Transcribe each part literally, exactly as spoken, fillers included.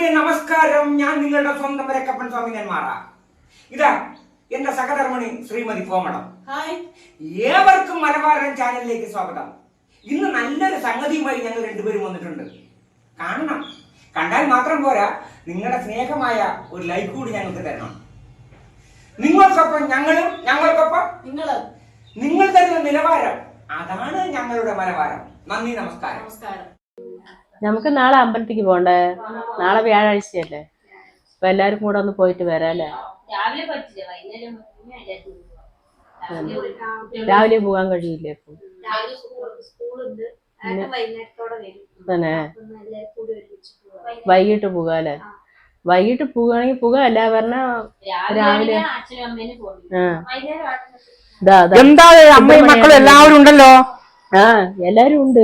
പ്രിയരെ നമസ്കാരം. ഞാൻ നിങ്ങളുടെ സ്വന്തം വരക്കപ്പൻ സ്വാമി നെന്മാറ. ഇതാ എന്റെ സഹധർമ്മിണി ശ്രീമതി കോമളം. ഏവർക്കും മലബാരൻ ചാനലിലേക്ക് സ്വാഗതം. ഇന്ന് നല്ലൊരു സംഗതിയുമായി ഞങ്ങൾ രണ്ടുപേരും വന്നിട്ടുണ്ട്. കാണണം. കണ്ടാൽ മാത്രം പോരാ, നിങ്ങളുടെ സ്നേഹമായ ഒരു ലൈക്ക് കൂടി ഞങ്ങൾക്ക് തരണം. നിങ്ങൾക്കൊപ്പം ഞങ്ങളും, ഞങ്ങൾക്കൊപ്പം നിങ്ങളും. നിങ്ങൾ തരുന്ന നിലവാരം, അതാണ് ഞങ്ങളുടെ മലബാരം. നന്ദി, നമസ്കാരം. നമസ്കാരം. നമുക്ക് നാളെ അമ്പലത്തിക്ക് പോണ്ടേ? നാളെ വ്യാഴാഴ്ചയല്ലേ? അപ്പൊ എല്ലാരും കൂടെ ഒന്ന് പോയിട്ട് വരാല്ലേ? രാവിലെ പോകാൻ കഴിയില്ലേ? ഇപ്പൊ തന്നെ വൈകിട്ട് പോകാല്ലേ? വൈകിട്ട് പോവുകയാണെങ്കിൽ പോകാം. അല്ല പറഞ്ഞ രാവിലെ എന്താ അമ്മയും മക്കളും എല്ലാവരും ഉണ്ടല്ലോ? ആ എല്ലാരും ഉണ്ട്.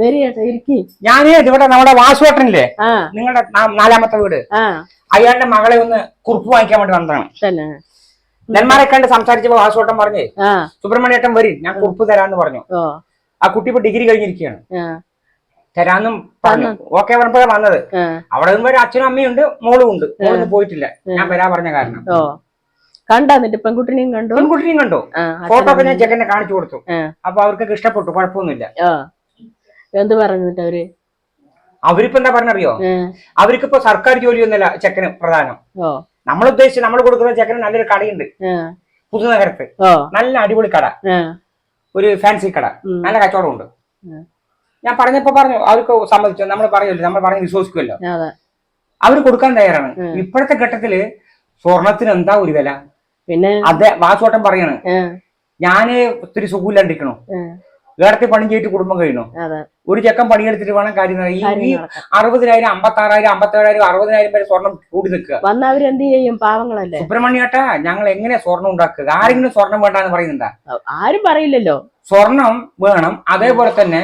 ഞാന് ഇവിടെ നമ്മുടെ വാസുവേട്ടനില്ലേ, നിങ്ങളുടെ നാലാമത്തെ വീട്, അയാളുടെ മകളെ ഒന്ന് കുറിപ്പ് വാങ്ങിക്കാൻ വേണ്ടി വന്നതാണ്. നെന്മാരെ കണ്ട് സംസാരിച്ചപ്പോ വാസുവേട്ടൻ പറഞ്ഞേ സുബ്രഹ്മണ്യേട്ടൻ വരും, ഞാൻ കുറിപ്പ് തരാന്ന് പറഞ്ഞു. ആ കുട്ടി ഇപ്പൊ ഡിഗ്രി കഴിഞ്ഞിരിക്കുകയാണ്. തരാന്നും പറഞ്ഞു. ഓക്കെ പറഞ്ഞപ്പോഴാണ് വന്നത്. അവിടെ നിന്നും ഒരു അച്ഛനും അമ്മയും ഉണ്ട്, മോളും ഉണ്ട്. മോളൊന്നും പോയിട്ടില്ല, ഞാൻ വരാ പറഞ്ഞ കാരണം. കണ്ടിട്ട് പെൺകുട്ടിനെയും കണ്ടു പെൺകുട്ടിനെയും കണ്ടു ഫോട്ടോ ഒക്കെ ഞാൻ ചെക്കനെ കാണിച്ചു കൊടുത്തു. അപ്പൊ അവർക്കൊക്കെ ഇഷ്ടപ്പെട്ടു, കുഴപ്പമൊന്നുമില്ല. എന്ത് പറഞ്ഞിട്ട് അവര് അവരിപ്പോ എന്താ പറഞ്ഞറിയോ? അവർക്കിപ്പോ സർക്കാർ ജോലിയൊന്നുമല്ല ചെക്കന് പ്രധാനം. നമ്മൾ ഉദ്ദേശിച്ച് നമ്മൾ കൊടുക്കുന്ന ചെക്കന് നല്ലൊരു കടയുണ്ട് പുതുനഗരത്ത്, നല്ല അടിപൊളി കട, ഒരു ഫാൻസി കട, നല്ല കച്ചവടം ഉണ്ട്. ഞാൻ പറഞ്ഞപ്പോ പറഞ്ഞു അവർക്ക് സമ്മതിച്ചു. നമ്മൾ പറയല്ലോ, നമ്മൾ പറഞ്ഞ് വിശ്വസിക്കുമല്ലോ. അവര് കൊടുക്കാൻ തയ്യാറാണ്. ഇപ്പോഴത്തെ ഘട്ടത്തില് സ്വർണത്തിന് എന്താ ഒരു വില? പിന്നെ അതെ വാസുവട്ടം പറയാണ്, ഞാന് ഒത്തിരി സുഖമില്ലാണ്ടിരിക്കണു, വേറത്തെ പണി ചെയ്തിട്ട് കുടുംബം കഴിയണു. ഒരു ചെക്കൻ പണിയെടുത്തിട്ട് വേണം കാര്യം. ഈ അറുപതിനായിരം അമ്പത്തി ആറായിരം അമ്പത്തേഴായിരം അറുപതിനായിരം വരെ സ്വർണം കൂടി നിൽക്കുക. എന്ത് ചെയ്യും? പാവങ്ങളല്ലേ. സുബ്രഹ്മണ്യേട്ടാ, ഞങ്ങൾ എങ്ങനെ സ്വർണം ഉണ്ടാക്കുക? ആരെങ്കിലും സ്വർണം വേണ്ടാന്ന് പറയുന്നുണ്ടാ? ആരും പറയില്ലല്ലോ. സ്വർണം വേണം. അതേപോലെ തന്നെ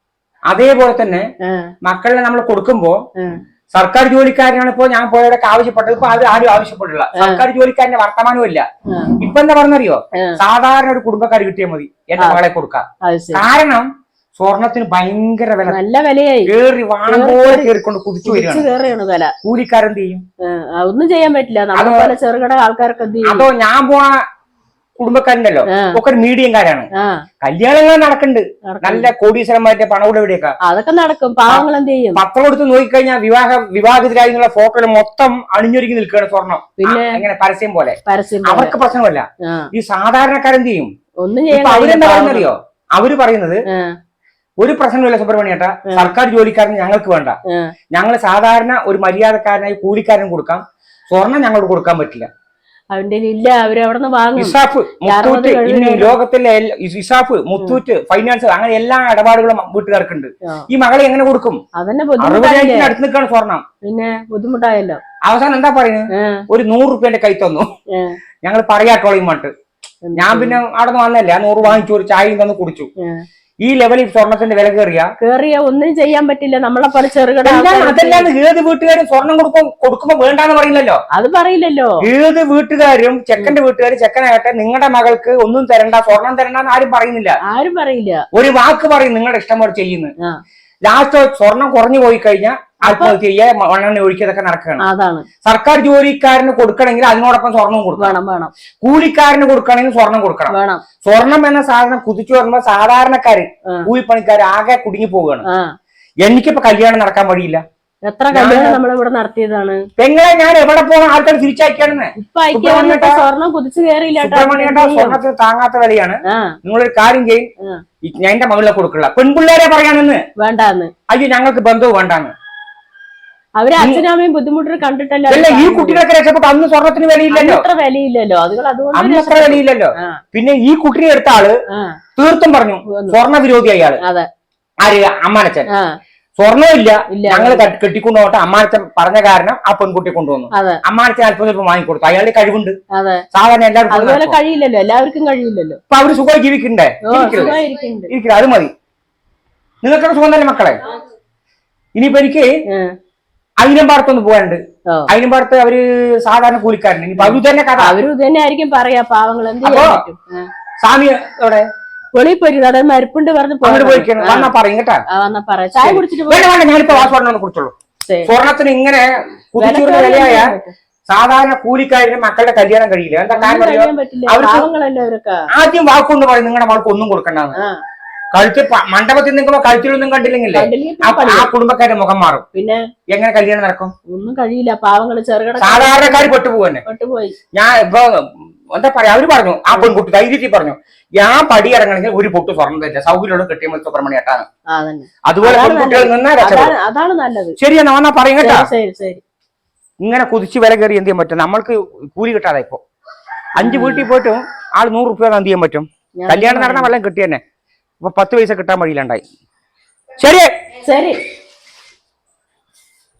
അതേപോലെ തന്നെ മക്കളെ നമ്മൾ കൊടുക്കുമ്പോ സർക്കാർ ജോലിക്കാരനാണ് ഇപ്പോ ഞാൻ പോയവരൊക്കെ ആവശ്യപ്പെട്ടത്. ഇപ്പൊ അത് ആരും ആവശ്യപ്പെട്ടില്ല. സർക്കാർ ജോലിക്കാരന്റെ വർത്തമാനവും ഇല്ല. ഇപ്പൊ എന്താ പറഞ്ഞറിയോ? സാധാരണ ഒരു കുടുംബക്കാർ കിട്ടിയാൽ മതി എന്റെ മകളെ കൊടുക്കാം. കാരണം സ്വർണത്തിന് ഭയങ്കര വില, നല്ല വിലയായി. കേറി വാണം പോലെ കേറിക്കൊണ്ട് കുതിച്ചു വരികയാണ്. കൂലിക്കാരെന്ത് ചെയ്യും? ഒന്നും ചെയ്യാൻ പറ്റില്ല. ചെറുകിട ആൾക്കാർക്ക് അതോ ഞാൻ പോണ കുടുംബക്കാരുണ്ടല്ലോ ഒക്കെ ഒരു മീഡിയംകാരാണ്. കല്യാണങ്ങൾ നടക്കുന്നുണ്ട്, നല്ല കോടീശ്വരന്മാരുടെ പണവിടെ എവിടെയൊക്കെ അതൊക്കെ നടക്കും. പാവങ്ങൾ എന്ത് ചെയ്യും? പത്രം കൊടുത്ത് നോക്കിക്കഴിഞ്ഞാൽ വിവാഹ വിവാഹിതരായി എന്നുള്ള ഫോട്ടോയിൽ മൊത്തം അണിഞ്ഞൊരുങ്ങി നിൽക്കുകയാണ് സ്വർണം. പിന്നെ എങ്ങനെ പരസ്യം പോലെ. അവർക്ക് പ്രശ്നമല്ല. ഈ സാധാരണക്കാരെന്ത് ചെയ്യും? ഒന്നും ചെയ്യാൻ അവരെന്താ പറയുന്നറിയോ? അവര് പറയുന്നത് ഒരു പ്രശ്നമില്ല സുബ്രഹ്മണ്യേട്ടാ, സർക്കാർ ജോലിക്കാരന് ഞങ്ങൾക്ക് വേണ്ട, ഞങ്ങൾ സാധാരണ ഒരു മര്യാദക്കാരനായി കൂലിക്കാരൻ കൊടുക്കാം, സ്വർണം ഞങ്ങൾക്ക് കൊടുക്കാൻ പറ്റില്ല. അവന്റെ ഇല്ല, അവര് അവിടെ നിന്ന് വാങ്ങും. ഇസാഫ്, മുത്തൂറ്റ്, ഇനി ലോകത്തിലെ ഇസാഫ്, മുത്തൂറ്റ്, ഫൈനാൻസ്, അങ്ങനെ എല്ലാ ഇടപാടുകളും വീട്ടുകാർക്കുണ്ട്. ഈ മകളെ എങ്ങനെ കൊടുക്കും? അറുപതിനായിരത്തിന് അടുത്ത് നിൽക്കാണ് സ്വർണം. പിന്നെ ബുദ്ധിമുട്ടായല്ലോ. അവസാനം എന്താ പറയുന്നത്? ഒരു നൂറ് റുപ്യന്റെ കൈ തന്നു, ഞങ്ങൾ പറയാട്ടോളയും മട്ട്. ഞാൻ പിന്നെ അവിടെ നിന്ന് വന്നല്ലേ, ആ നൂറ് വാങ്ങിച്ചു, ഒരു ചായയും തന്നു കുടിച്ചു. ഈ ലെവലിൽ സ്വർണത്തിന്റെ വില കയറിയ കേറിയ ഒന്നും ചെയ്യാൻ പറ്റില്ല. നമ്മളെ പോലെ ചെറുകിട അതെല്ലാം ഏത് വീട്ടുകാരും സ്വർണം കൊടുക്കും കൊടുക്കുമ്പോ വേണ്ടാന്ന് പറയില്ലല്ലോ. അത് പറയില്ലല്ലോ. ഏത് വീട്ടുകാരും ചെക്കന്റെ വീട്ടുകാർ ചെക്കനാകട്ടെ നിങ്ങളുടെ മകൾക്ക് ഒന്നും തരണ്ട, സ്വർണം തരണ്ടെന്ന് ആരും പറയുന്നില്ല. ആരും പറയില്ല. ഒരു വാക്ക് പറയും നിങ്ങളുടെ ഇഷ്ടം പോലെ ചെയ്യുന്നു. ലാസ്റ്റ് സ്വർണം കുറഞ്ഞു പോയി കഴിഞ്ഞാൽ ആത്മഹത്യ ചെയ്യുക, മണ്ണെണ്ണ ഒഴിക്കതൊക്കെ നടക്കുകയാണ്. അതാണ്. സർക്കാർ ജോലിക്കാരന് കൊടുക്കണമെങ്കിൽ അതിനോടൊപ്പം സ്വർണം കൊടുക്കണം. വേണം. കൂലിക്കാരന് കൊടുക്കണമെങ്കിൽ സ്വർണം കൊടുക്കണം. വേണം. സ്വർണം എന്ന സാധനം കുതിച്ചു വരുമ്പോ സാധാരണക്കാര് കൂലിപ്പണിക്കാർ ആകെ കുടുങ്ങി പോവുകയാണ്. എനിക്കിപ്പോ കല്യാണം നടക്കാൻ വഴിയില്ല. എത്ര കല്യാണം നമ്മളിവിടെ നടത്തിയതാണ്. പെങ്ങളെ ഞാൻ എവിടെ പോകണം? ആൾക്കാർ തിരിച്ചയക്കാണെന്ന്. സ്വർണം കുതിച്ചു കയറിയില്ല. സ്വർണത്തിന് താങ്ങാത്ത വിലയാണ്. നിങ്ങളൊരു കാര്യം ചെയ്യും, ഞാൻ എന്റെ മകളെ കൊടുക്കില്ല. പെൺപിള്ളേരെ പറയാനെന്ന് വേണ്ടാന്ന്. അയ്യോ ഞങ്ങൾക്ക് ബന്ധവും വേണ്ടാന്ന്. അവര് അച്ഛനമ്മയും ബുദ്ധിമുട്ട് കണ്ടിട്ടല്ലോ. ഈ കുട്ടികളൊക്കെ രക്ഷപ്പെട്ടു. അന്ന് സ്വർണത്തിന് വിലയില്ലല്ലോ, അത്ര വിലയില്ലല്ലോ. അന്ന് അത്ര വിലയില്ലല്ലോ. പിന്നെ ഈ കുട്ടിനെ എടുത്ത ആള് തീർത്തും പറഞ്ഞു സ്വർണ്ണ വിരോധി അയാള്. ആര്? അമ്മാനച്ചൻ. സ്വർണ്ണമില്ല, ഞങ്ങൾ കെട്ടിക്കൊണ്ടുപോട്ടെ അമ്മാനച്ചൻ പറഞ്ഞ കാരണം ആ പെൺകുട്ടി കൊണ്ടുവന്നു. അമ്മാനച്ചൻ അല്പം ചിലപ്പോൾ വാങ്ങിക്കൊടുത്തു. അയാളുടെ കഴിവുണ്ട്. സാധാരണ എല്ലാവർക്കും കഴിയില്ലല്ലോ, എല്ലാവർക്കും കഴിയില്ലല്ലോ. അപ്പൊ അവര് സുഖമായി ജീവിക്കണ്ടേ? ഇരിക്കില്ല, അത് മതി. നിങ്ങൾക്കൊക്കെ സുഖം തന്നെ മക്കളെ. ഇനിയിപ്പോ എനിക്ക് അയിനമ്പാടത്തൊന്ന് പോകാനുണ്ട്. അയിനമ്പാടത്ത് അവര് സാധാരണ കൂലിക്കാരൻ. ഇനിയിപ്പോ അവര് തന്നെ കഥ അവര് തന്നെ ആയിരിക്കും പറയാ. പാവങ്ങൾ എന്ത് സ്വാമി എവിടെ? വെളിയിൽ പോയി മരുപ്പുണ്ട് പറഞ്ഞു വന്നാ പറയും കേട്ടാ. ചായ കുടിച്ചിട്ട് ഞാനിപ്പോ വാസുവാടിനെ കുറിച്ചുള്ളൂ. ശരി. സ്വർണത്തിന് ഇങ്ങനെ കുതിച്ചുള്ള വിലയായ സാധാരണ കൂലിക്കാരന് മക്കളുടെ കല്യാണം കഴിയില്ല. എന്താ കാരണം അറിയോ? കഴിയാൻ പറ്റില്ല, അവർക്ക് പാവങ്ങളല്ലേ അവരൊക്കെ. ആദ്യം വാക്കുകൊണ്ട് പറയും നിങ്ങളുടെ മകൾക്ക് ഒന്നും കൊടുക്കണ്ടെന്ന്. ആ കഴുത്തിൽ പ- മണ്ഡപത്തിൽ നിൽക്കുമ്പോ കഴുത്തിലൊന്നും കണ്ടില്ലെങ്കിലേ കണ്ടില്ലെങ്കിൽ ആ ആ കുടുംബക്കാരുടെ മുഖം മാറും. പിന്നെ എങ്ങനെ കല്യാണം നടക്കും? ഒന്നും കഴിയില്ല, പാവങ്ങള് ചെറുകിട സാധാരണക്കാർ പെട്ടുപോകുന്നെ. പെട്ടുപോയി. ഞാൻ ഇപ്പൊ എന്താ പറയാ, അവര് പറഞ്ഞു, ആ പെൺകുട്ടി ധൈര്യത്തിൽ പറഞ്ഞു, ഞാൻ പടി ഇറങ്ങണമെങ്കിൽ ഒരു പൊട്ട് സ്വർണ്ണം തരില്ല, സൗകര്യമുള്ള കെട്ടിയ സുബ്രഹ്മണ്യേട്ടാണ്. അതന്നെ, അതുപോലെ പെൺകുട്ടികൾ നിന്നാ രക്ഷപ്പെടും. അതാണ് അതാണ് നല്ലത്. ശരിയെന്നാ വന്നാ പറയും കേട്ടാ. ശരി ശരി. ഇങ്ങനെ കുതിച്ച് വില കയറി എന്ത് ചെയ്യാൻ പറ്റും? നമ്മൾക്ക് കൂലി കിട്ടാതെ ഇപ്പൊ അഞ്ചു വീട്ടിൽ പോയിട്ടും ആൾ നൂറ് റുപ്യ എന്ത് ചെയ്യാൻ പറ്റും? കല്യാണം നടന്ന വെള്ളം കിട്ടിയെന്നെ ഇപ്പൊ പത്ത് പൈസ കിട്ടാൻ വഴിയിലുണ്ടായി. ശരി ശരി.